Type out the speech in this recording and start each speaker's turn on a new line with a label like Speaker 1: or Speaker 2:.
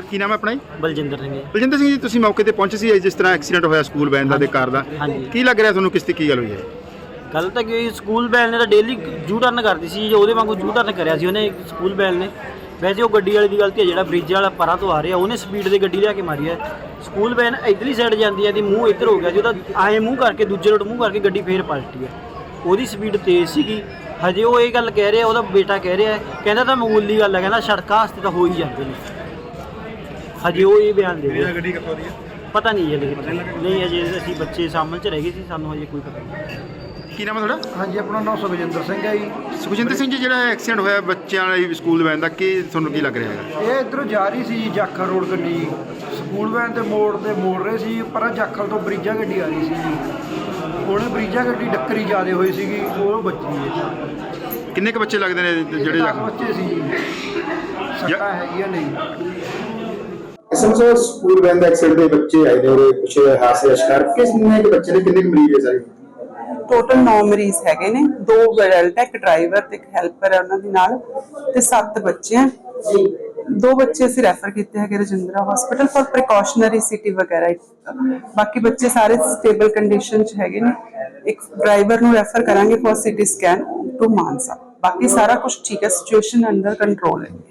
Speaker 1: ਕੀ ਨਾਮ ਹੈ ਆਪਣਾ ਜੀ?
Speaker 2: ਬਲਜਿੰਦਰ ਸਿੰਘ ਜੀ।
Speaker 1: ਬਲਜਿੰਦਰ ਸਿੰਘ ਜੀ, ਤੁਸੀਂ ਮੌਕੇ ਤੇ ਪਹੁੰਚੇ ਸੀ ਜਿਸ ਤਰ੍ਹਾਂ ਐਕਸੀਡੈਂਟ ਹੋਇਆ ਸਕੂਲ ਵੈਨ ਦਾ ਤੇ ਕਾਰ ਦਾ, ਕੀ ਲੱਗ ਰਿਹਾ ਤੁਹਾਨੂੰ, ਕਿਸ ਤੇ ਕੀ ਗੱਲ ਹੋਈ ਹੈ?
Speaker 2: ਗੱਲ ਤਾਂ ਕਿ ਸਕੂਲ ਵੈਨ ਨੇ ਤਾਂ ਡੇਲੀ ਜੂ ਟਰਨ ਕਰਦੀ ਸੀ, ਉਹਦੇ ਵਾਂਗੂ ਜੂ ਟਰਨ ਕਰਿਆ ਸੀ ਉਹਨੇ ਸਕੂਲ ਵੈਨ ਨੇ। ਵੈਸੇ ਉਹ ਗੱਡੀ ਵਾਲੇ ਦੀ ਗਲਤੀ ਹੈ, ਜਿਹੜਾ ਬ੍ਰਿਜ ਵਾਲਾ ਪਰਾਂ ਤੋਂ ਆ ਰਿਹਾ ਉਹਨੇ ਸਪੀਡ ਦੇ ਗੱਡੀ ਲਿਆ ਕੇ ਮਾਰੀ ਹੈ। ਸਕੂਲ ਵੈਨ ਇੱਧਰਲੀ ਸਾਈਡ ਜਾਂਦੀ ਹੈ ਤੇ ਮੂੰਹ ਇੱਧਰ ਹੋ ਗਿਆ ਜੀ, ਉਹਦਾ ਆਏ ਮੂੰਹ ਕਰਕੇ ਦੂਜੇ ਰੋਡ ਮੂੰਹ ਕਰਕੇ ਗੱਡੀ ਫੇਰ ਪਲਟੀ ਹੈ। ਉਹਦੀ ਸਪੀਡ ਤੇਜ਼ ਸੀਗੀ। ਹਜੇ ਉਹ ਇਹ ਗੱਲ ਕਹਿ ਰਿਹਾ, ਉਹਦਾ ਬੇਟਾ ਕਹਿ ਰਿਹਾ, ਕਹਿੰਦਾ ਤਾਂ ਮਾਮੂਲੀ ਗੱਲ ਹੈ, ਕਹਿੰਦਾ ਸੜਕਾਂ ਵਾਸਤੇ ਤਾਂ ਹੋ ਹੀ ਜਾਂਦੇ ਨੇ। ਹਜੇ ਉਹ ਇਹ ਬਿਆਨ ਦੇ ਰਿਹਾ।
Speaker 1: ਗੱਡੀ ਕਿੱਥੋਂ ਦੀ ਹੈ
Speaker 2: ਪਤਾ ਨਹੀਂ ਹਜੇ ਨਹੀਂ, ਹਜੇ ਅਸੀਂ ਬੱਚੇ ਸਾਹਮਣੇ 'ਚ ਰਹਿ ਗਏ ਸੀ, ਸਾਨੂੰ ਹਜੇ ਕੋਈ ਪਤਾ ਨਹੀਂ।
Speaker 1: ਕੀ ਨਾਮ ਹੈ ਤੁਹਾਡਾ?
Speaker 3: ਹਾਂਜੀ, ਆਪਣਾ ਨਾਮ ਸੁਖਜਿੰਦਰ ਸਿੰਘ ਹੈ ਜੀ।
Speaker 1: ਸੁਖਜਿੰਦਰ ਸਿੰਘ ਜੀ, ਜਿਹੜਾ ਐਕਸੀਡੈਂਟ ਹੋਇਆ ਬੱਚਿਆਂ ਵਾਲੀ ਸਕੂਲ ਵੈਨ ਦਾ, ਕੀ ਤੁਹਾਨੂੰ ਕੀ ਲੱਗ ਰਿਹਾ ਹੈਗਾ?
Speaker 3: ਇਹ ਇੱਧਰੋਂ ਜਾ ਰਹੀ ਸੀ ਜੀ, ਜਾਖਲ ਰੋਡ ਗੱਡੀ ਸਕੂਲ ਵੈਨ ਦੇ ਮੋੜ ਤੇ ਮੋੜ ਰਹੇ ਸੀ, ਪਰ ਜਾਖਲ ਤੋਂ ਬਰੀਜਾ ਗੱਡੀ ਆ ਰਹੀ ਸੀ ਜੀ। ਉਹਨੇ ਬਰੀਜਾ ਗੱਡੀ ਡੱਕਰੀ ਜ਼ਿਆਦੇ ਹੋਈ ਸੀਗੀ, ਉਹ ਬੱਚੀ ਹੈ।
Speaker 1: ਕਿੰਨੇ ਕੁ ਬੱਚੇ ਲੱਗਦੇ ਨੇ ਜਿਹੜੇ
Speaker 3: 10 ਬੱਚੇ ਸੀ ਜੀ, ਸੱਟਾਂ ਹੈਗੀਆਂ ਨਹੀਂ।
Speaker 1: ਸਮਝੋ ਸਕੂਲ ਵੈਨ ਦਾ ਐਕਸੀਡੈਂਟ ਦੇ ਬੱਚੇ ਆਏ ਨੇ, ਉਹਦੇ ਕੁਝ ਹਾਦਸੇ ਦਾ ਸ਼ਿਕਾਰ ਕਿੰਨੇ ਕੁ ਬੱਚੇ ਨੇ, ਕਿੰਨੇ ਕੁ ਮਰੀਜ਼ ਹੈ ਸਾਰੇ?
Speaker 4: ਟੋਟਲ 9 ਮਰੀਜ਼ ਹੈਗੇ ਨੇ, 2 ਅਡਲਟ ਹੈ, ਇੱਕ ਡਰਾਈਵਰ ਤੇ ਇੱਕ ਹੈਲਪਰ ਹੈ ਉਹਨਾਂ ਦੇ ਨਾਲ, ਤੇ 7 ਬੱਚੇ ਆ। 2 ਬੱਚੇ ਅਸੀਂ ਰੈਫਰ ਕੀਤੇ ਹੈਗੇ Rajindra hospital for precautionary CT ਵਗੈਰਾ। ਬਾਕੀ ਬੱਚੇ ਸਾਰੇ ਸਟੇਬਲ ਕੰਡੀਸ਼ਨ 'ਚ ਹੈਗੇ ਨੇ। ਇੱਕ ਡਰਾਈਵਰ ਨੂੰ ਰੈਫਰ ਕਰਾਂਗੇ for CT scan to Mansa. ਬਾਕੀ ਸਾਰਾ ਕੁਝ ਠੀਕ ਹੈ, ਸਿਚੁਏਸ਼ਨ ਅੰਡਰ ਕੰਟਰੋਲ ਹੈ।